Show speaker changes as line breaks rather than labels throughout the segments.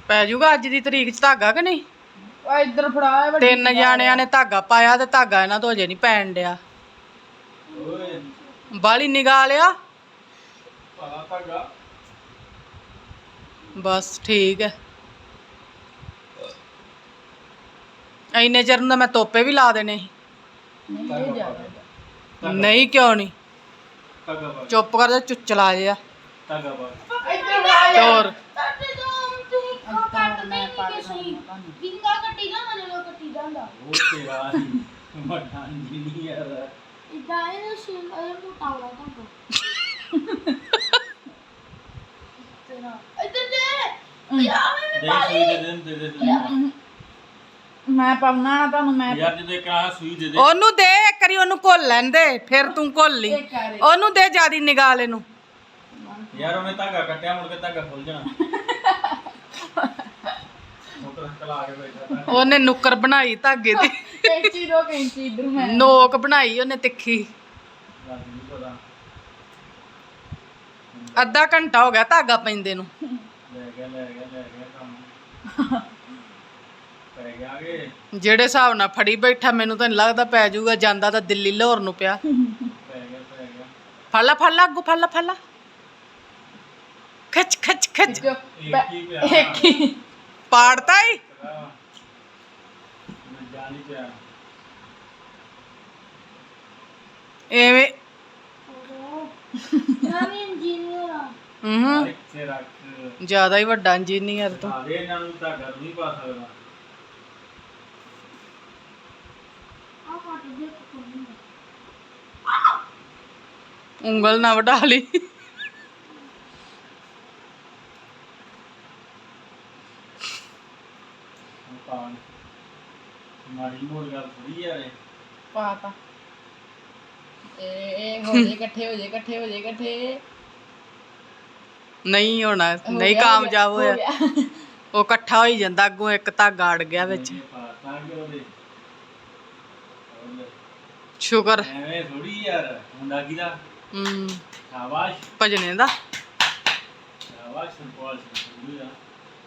ਪੈ ਜਾਊਗਾ ਅੱਜ ਦੀ ਤਰੀਕ 'ਚ ਧਾਗਾ ਕਿ ਨਹੀਂ?
ਇੱਧਰ ਫੜਾ ਵੱਡੀ
3 ਜਾਣਿਆਂ ਨੇ ਧਾਗਾ ਪਾਇਆ ਤੇ ਧਾਗਾ ਇਹਨਾਂ ਤੋਂ ਅਜੇ ਨਹੀਂ ਪੈਣ ਡਿਆ। ਬਾਲੀ ਨਿਗਾਹ ਲਿਆ ਬਸ ਠੀਕ ਹੈ। ਇੰਨੇ ਚਿਰ ਨੂੰ ਤਾਂ ਮੈਂ ਤੋਪੇ ਵੀ ਲਾ ਦੇਣੇ ਸੀ। ਨਹੀਂ ਕਿਉਂ ਨਹੀਂ? ਚੁੱਪ ਕਰ ਜਾ, ਚੁੱਚਲਾ ਜਿਹਾ। ਹੋਰ
ਮੈਂ ਪਾਉਣਾ ਨਾ ਤੁਹਾਨੂੰ। ਮੈਂ
ਯਾਰ ਜਦੋਂ ਇੱਕ ਆਹ ਸੂਈ ਦੇ ਦੇ
ਉਹਨੂੰ ਦੇ, ਇੱਕ ਵਾਰੀ ਉਹਨੂੰ ਘੋਲ ਲੈਣ ਦੇ, ਫਿਰ ਤੂੰ ਘੋਲ ਲਈ। ਉਹਨੂੰ ਦੇ ਜਿਆਦੀ ਨਿਗਾਹ ਲੈ ਨੂੰ।
ਯਾਰ ਉਹਨੇ ਧਾਗਾ ਕੱਟਿਆ, ਮੁੜ ਕੇ ਧਾਗਾ ਖੁੱਲ ਜਾਣਾ। ਮੋਟਰ ਚਲਾ ਕੇ ਬੈਠਾ
ਉਹਨੇ ਨੁੱਕਰ ਬਣਾਈ ਧਾਗੇ ਦੀ।
ਕੈਂਚੀ ਦੋ ਕੈਂਚੀ ਇੱਧਰ ਮੈਂ
ਨੋਕ ਬਣਾਈ ਉਹਨੇ ਤਿੱਖੀ। ਅੱਧਾ ਘੰਟਾ ਹੋ ਗਿਆ ਧਾਗਾ ਪੈਂਦੇ ਨੂੰ।
ਲੈ ਗਿਆ ਕੰਮ ਪੈ ਗਿਆ ਗੇ।
ਜਿਹੜੇ ਹਿਸਾਬ ਨਾਲ ਫੜੀ ਬੈਠਾ, ਮੈਨੂੰ ਤਾਂ ਨਹੀਂ ਲੱਗਦਾ ਪੈ ਜਾਊਗਾ। ਜਾਂਦਾ ਤਾਂ ਦਿੱਲੀ ਲਾਹੌਰ ਨੂੰ ਪਿਆ।
ਪੈ ਗਿਆ
ਫੜ ਲਾ ਅੱਗੋਂ, ਫੜ ਲਾ ਖਿੱਚ
ਇੱਕ ਹੀ ਪਿਆ
ਇੱਕ ਹੀ
ਪਾੜਤਾ ਹੀ।
ਜਾਨ ਹੀ ਪਿਆ
ਐਵੇਂ
ਇੱਥੇ ਰੱਖ।
ਜ਼ਿਆਦਾ ਹੀ ਵੱਡਾ ਇੰਜੀਨੀਅਰ ਤੂੰ।
ਸਾਰੇ ਇਹਨਾਂ ਨੂੰ ਧਾਗਾ ਨਹੀਂ ਪਾ ਸਕਦਾ।
ਉਂਗਲ ਨਾ ਵਢਾ ਲਈ।
ਮਾੜੀ ਮੋੜ ਗੱਲ ਥੋੜੀ ਯਾਰ ਇਹ।
ਪਾਤਾ ਇਹ ਹੋ ਜੇ ਇਕੱਠੇ
ਨਹੀਂ ਹੋਣਾ, ਨਹੀਂ ਕਾਮਯਾਬ ਹੋਇਆ। ਉਹ ਇਕੱਠਾ ਹੋਈ ਜਾਂਦਾ, ਅੱਗੋਂ ਇੱਕ ਧਾਗਾ ਅੜ ਗਿਆ ਵਿੱਚ। ਸ਼ੁਕਰ।
ਐਵੇਂ ਥੋੜੀ ਯਾਰ ਮੁੰਡਾ ਕਿਦਾ। ਸ਼ਾਬਾਸ਼
ਭਜਨੇ ਦਾ।
ਸ਼ਾਬਾਸ਼ ਸੰਪਾਲ ਸੰਪੂਰੀ ਦਾ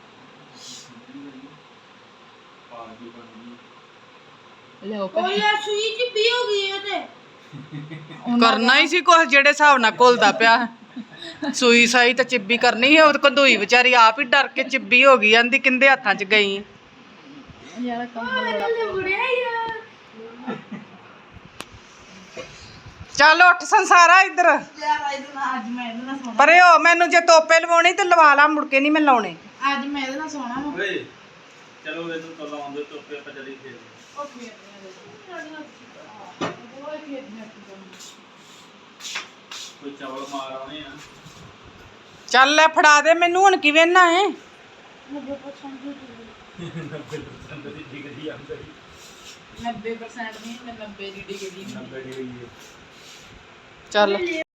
ਪਾਰਟੀ ਬਣੀ।
ਲਿਓ
ਸੂਈ ਚ ਵੀ ਹੋ ਗਈ ਤੇ
ਕਰਨਾ ਹੀ ਸੀ ਕੁਛ, ਜਿਹੜੇ ਹਿਸਾਬ ਨਾਲ ਘੁਲਦਾ ਪਿਆ। ਸੂਈ ਸਾਈ ਤਾਂ ਚਿੱਬੀ ਕਰਨੀ ਸੀ। ਉਹ ਕੰਧੂਈ ਵਿਚਾਰੀ ਆਪ ਹੀ ਡਰ ਕੇ ਚਿੱਬੀ ਹੋ ਗਈ। ਆਂਦੀ ਕਿੰਦੇ ਹੱਥਾਂ 'ਚ ਗਈ।
ਯਾਰ ਕੰਮ
ਬੁੜਿਆ ਯਾਰ।
ਚੱਲ ਉੱਠ ਸੰਸਾਰਾ ਇੱਧਰ
ਅੱਜ ਮੈਂ ਇਹਦੇ ਨਾਲ ਸੋਣਾ।
ਪਰੇ ਹੋ। ਮੈਨੂੰ ਜੇ ਤੋਪੇ ਲਵਾਉਣੀ ਤੇ ਲਵਾ ਲਾ, ਮੁੜ ਕੇ ਨਹੀਂ ਮੈਂ ਲਾਉਣੇ।
ਅੱਜ ਮੈਂ ਇਹਦੇ ਨਾਲ ਸੋਣਾ ਵਾ।
ਓਏ ਚਲੋ ਇਹਨੂੰ ਤੋਂ ਲਾਉਂਦੇ ਤੋਪੇ ਆਪਾਂ ਜਲਦੀ ਖੇਡ ਕੋਈ ਚਾਵਲ ਮਾਰ ਆਉਣੇ ਆ।
ਚੱਲ ਲੈ ਫੜਾ ਦੇ ਮੈਨੂੰ। ਹੁਣ ਕਿਵੇਂ ਨਾ ਹੈ
90% ਦੀ ਡਿਗਰੀ ਆਉਂਦੀ
90% ਨਹੀਂ, ਮੈਂ 90 ਦੀ ਡਿਗਰੀ
90 ਡਿਗਰੀ
ਚੱਲ।